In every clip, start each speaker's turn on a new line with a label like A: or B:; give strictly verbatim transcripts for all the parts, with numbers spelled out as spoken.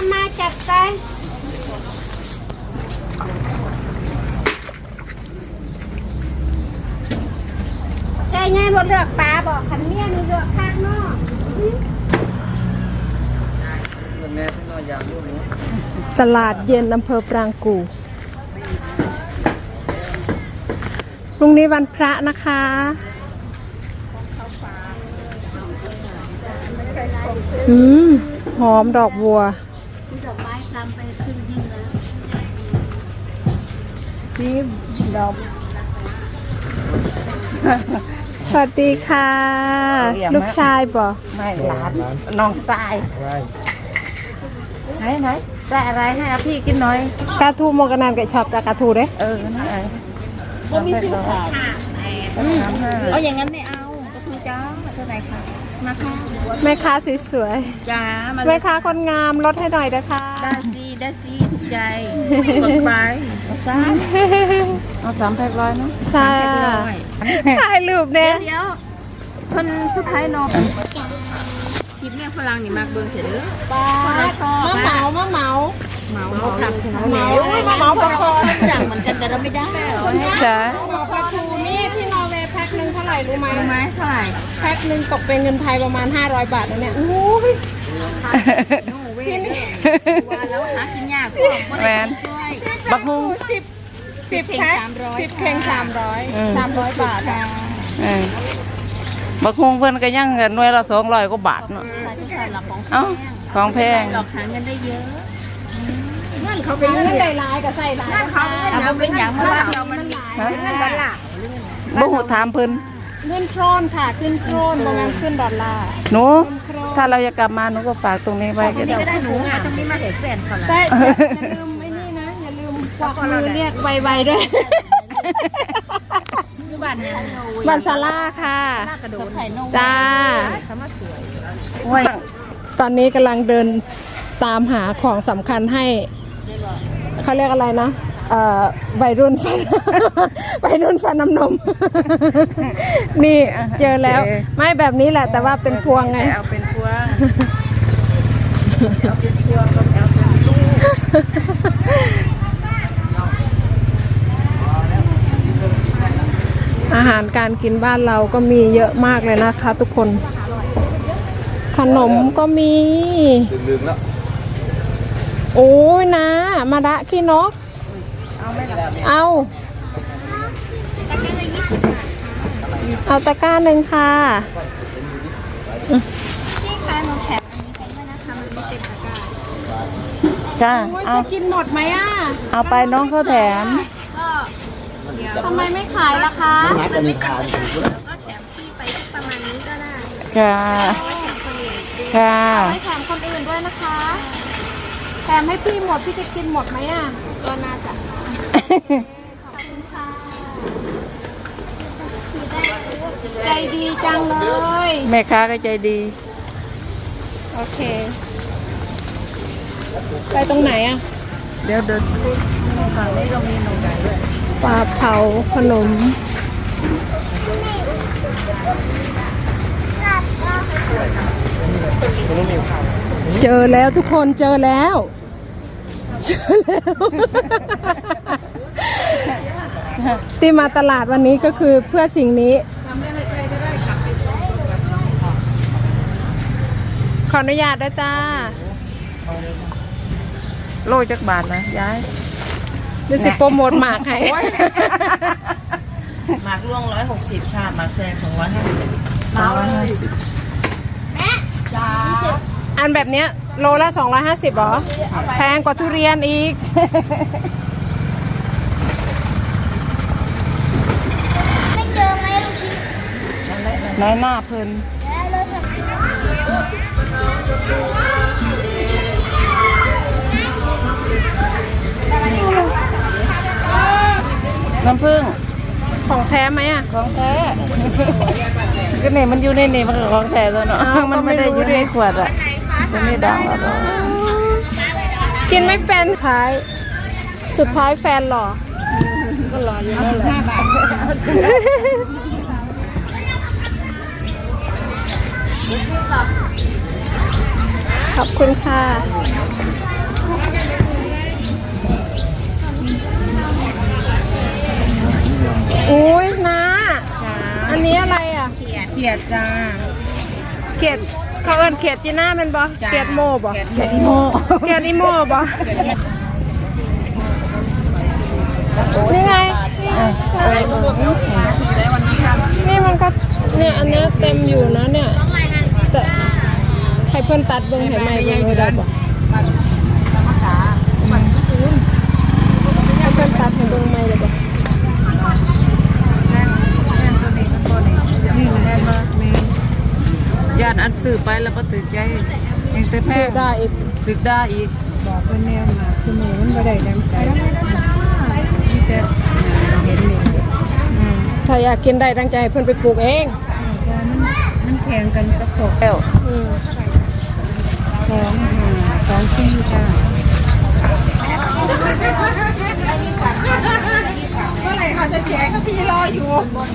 A: มาจัดไปใจไงบนเลือกปลาบอกขันเมียมีเลือกข้างนอกตลาดเย็นอำเภอปรางกู่พรุ่งนี้วันพระนะคะอืมหอมดอกบัวดอกไม้ทำไปขึ้นยิ่งแล้วนี่ดอกสวัสดีค่ะลูกชายบ่ไม่หลานน้องชายไหนไหนได้อะไรให้อาพี่กินหน่อยกาทูโมกันนานกับชอบจากกาทูเด้เออนั่นไงก็มีชื่อค่ะเอาอย่างนั้นไม่เอากาทูจ้าเท่าไหร่ค่ะมาค่ะแม่ค้าสวยๆจ้าแม่ค้าคนงามลดให้หน่อยนะคะได้สิได้สิถูกใจกดไปเอาสามเอาสามแพ็คร้อยเนาะใช่ถ่ายรูปเนี่ยเดี๋ยวคนสุดท้ายนอนคลิปเนี่ยฝรั่งนี่มากเบิ้งเสร็จแล้วป้าชอบมาเหมามาเหมาเหมาเหมาขับเหมามาเหมาปลาคออย่างเหมือนกันแต่เราไม่ได้จ้าปลาทูนี่ที่นอร์เวย์แพ็คหนึ่งเท่าไหร่รู้ไหมรู้ไหมเท่าไหร่แพ็คหนึ่งตกเป็นเงินไทยประมาณห้าร้อยบาทแล้วเนี่ยโอ้ยพี่นี่แล้วหากินยากแมนบักฮุงสิบสิบแพ็คสิบเพลงสามร้อยสามร้อยบาทบักฮุงเพื่อนก็ยังเงินหน่วยละสองร้อยกว่าบาทเนาะเอ้าของแพงหลอกหาเงินได้เยอะนั่นเขาเป็นเงินใส่ลายกับใส่ลายเขาเป็นอย่างเมื่อเรามันมีเงินดอลลาร์บ่หูถามเพิ่นเงินโครนค่ะขึ้นโครนประมาณขึ้นดอลลาร์หนูถ้าเราอยากกลับมาหนูก็ฝากตรงนี้ไว้ก็ได้ก็ได้หนูอ่ะตรงนี้มาเห็นแฟนเขาละอย่าลืมไอ้นี่นะอย่าลืมกวักมือเรียกไวๆด้วยบ้านเนี่ยบ้านซาร่าค่ะจ้าตอนนี้กำลังเดินตามหาของสำคัญให้เขาเรียกอะไรนะวัยรุ่นฟันวัยรุ่นฟันน้ำนมนี่เจอแล้วไม่แบบนี้แหละแต่ว่าเป็นพวงไงเอาเป็นพวงเอาเป็นพวงก็เอาเป็นลูกอาหารการกินบ้านเราก็มีเยอะมากเลยนะคะทุกคนขนมก็มีโอ้ยนะมาดะขี้นกเอาเอาตะกร้าหนึ่งค่ะพี่คะหนูแถมอันนี้ไปด้วยนะคะมันไม่เต็มตะกร้าจ้าเอาจะกินหมดไหมอ่ะเอาไปน้องเขาแถมทำไมไม่ขายล่ะคะมันไม่ขายก็แถมพี่ไปประมาณนี้ก็ได้ค่ะค่ะไม่แถมคนอื่นด้วยนะคะแถมให้พี่หมดพี่จะกินหมดไหมอ่ะก็น่าจะขอบคุณค่ะใจดีจังเลยแม่ค้าก็ใจดีโอเคไปตรงไหนอ่ะเดี๋ยวเดินฝั่งนี้เรามีนมไก่ด้วยปลาเผาขนมเจอแล้วทุกคนเจอแล้วเจอแล้วที่มาตลาดวันนี้ก็คือเพื่อสิ่งนี้ขออนุญาตด้วยจ้าโลจักบาทนะย้ายจะสิโปรโมทหมากให้
B: หมากล่วงร้อยหกสิบค่ะหมากแซงสองร้อยห้าสิบสองร้อยห้าสิบ
A: แม่จ้าอันแบบเนี้ยโลละสองร้อยห้าสิบหรอแพงกว่าทุเรียนอีกไม่เจอไหมลูก
B: ในหน้าเพลินน้ำผึ้ง
A: ของแท้ไหมอ่ะ
B: ของแท้ก็เนี่ยมันอยู่ในนี่มันของแท้ตัวเนาะมันไม่ได้อยู่ในขวดอ่ะมันไม่ดังหรอก
A: กินไม่เป็นท้ายสุดท้ายแฟนหล่อก็หล่ออยู่นั่นแหละขอบคุณค่ะอุ้ยนะอันนี้อะไรอ่ะ
B: เขียดจ้า
A: เขียดเขาเอิ้นเขียดจีน่าเป็นบ่เขียดโมบ่
B: เขียดอีโม
A: เขียดอีโมบ่นี่ไงนี่มันก็เนี่ยอันเนี้ยเต็มอยู่นะเนี่ยแต่ให้เพิ่นตัดเบิ่งให้ใหม่เบิ่งเลยได้บ่ให้เพิ่นตัดให้เบิ่งใหม่เลยบ่
B: ญาติอันซื้อไปแล้วก็ตึกใจยังแต่แพง
A: ได้อีก
B: ตึกได้อีก
C: บอกเพิ่นแนวมาคือมือมันบ่ได้ดังใจมีแต่เห็นเลย
A: ถ้าอยากกินได้ตั้งใจให้เพิ่นไปปลูกเอง
C: ว่ามันมันแข่งกันกับพวก
B: แล้ว
A: อืม
C: สองห้าสองสี่จ้าเมื่อไหร่เขาจะแจกเขาพี่รออยู่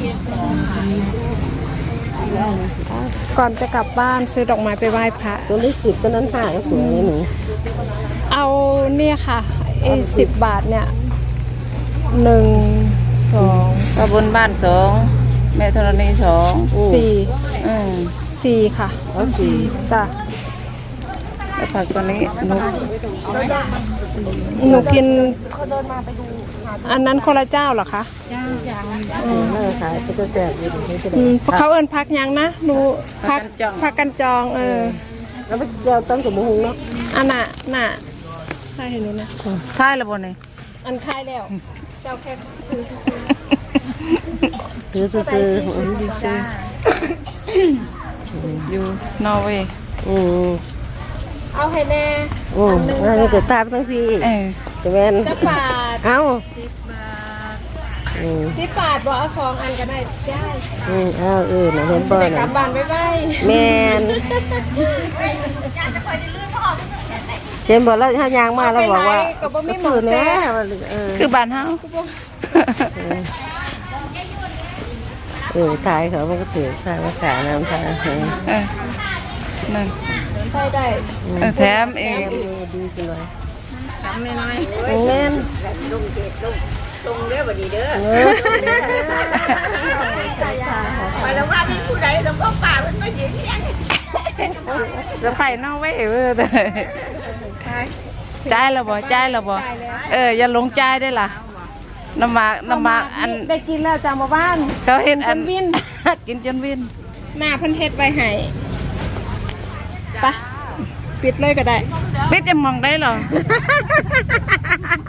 A: ก่อนจะกลับบ้านซื้อดอกไม้ไปไหว้พระ
C: ตัวเลขสิบตัวนั้นห่าก็สวยเลยหนู
A: เอาเนี่ยค่ะไอ้สิบบาทเนี่ยหนึ่งสอง
B: ก็บนบ้านสองแม่ธรณีสอง
A: สี่
B: อืม
A: สี่ค่ะ
C: เอาสี่
A: จ้ะ
B: แล้วผักตัวนี้นุก
A: หนูกินอันนั้นคนละเจ้าเหรอคะ
C: จ้าอืมน่าขายก็จะแจกอยู่ที่จะ
A: อื
C: ได้
A: มเขาเอินพักยังนะหนูพักพักกันจองเออ
C: แล้วไปเจ้าตั้งสมมุติเนาะ
A: อันน่ะน่ะใช่เห็นหนูนะ
B: ค่ายละบนนี่
A: อันคายแล้วเจ้าแค่
C: ถือซื้อๆอืม
B: ซื้ออยู่นอร์เวย์
C: อืม
A: เอาให้แน่
C: อืมอันนี้เกิดตามทั้งพี่
B: เออ
C: จะแม่น
A: จะบาท
C: เอ้า
A: สิบบาท
C: อืม
A: สิบบาทบอกเอาสองอันก็ได้ได้
C: อืมเอ้าเออน่ะเห็นบ่
A: แต่กลั
C: น่ะ
A: บบ้านไปไป
C: แม่นเห็นบ่แล้วถ้ายางมาแล้วบอกว่า
A: ก็บ่มีหมอ
C: ซื้อ
A: แซ่
C: แน่ว่าเออ
B: คือบ้านเฮา
C: เออถ่ายเขามันก็ถือถ่ายมาขายน้ำถ่ายเออ
B: เออนั่น
A: ใช่ได้
B: เออแถมเอง
C: ดีจังเลย
A: ทำน้อย
C: แม่น
A: ตรงเด้อบ่ดีเด้อ
C: เออ
A: ไปแล้วว่ามีผู้ใดแล้วก็ป่ามันมายืนยัง
B: จะไปนอร์เวย์เออแต่จ่ายแล้วบ่จ่ายแล้วบ่เอออย่าหลงจ่ายได้ล่ะน้ำหมากน้ำหมากอัน
A: ได้กินแล้วจากมาบ้าน
B: เขาเฮ็ดอัน
A: กินจนวิน
B: กินจนวิน
A: หน้าเพิ่นเฮ็ดไว้ให้ไปปิดเลยก็ได้
B: ปิดจะมองได้เหรอ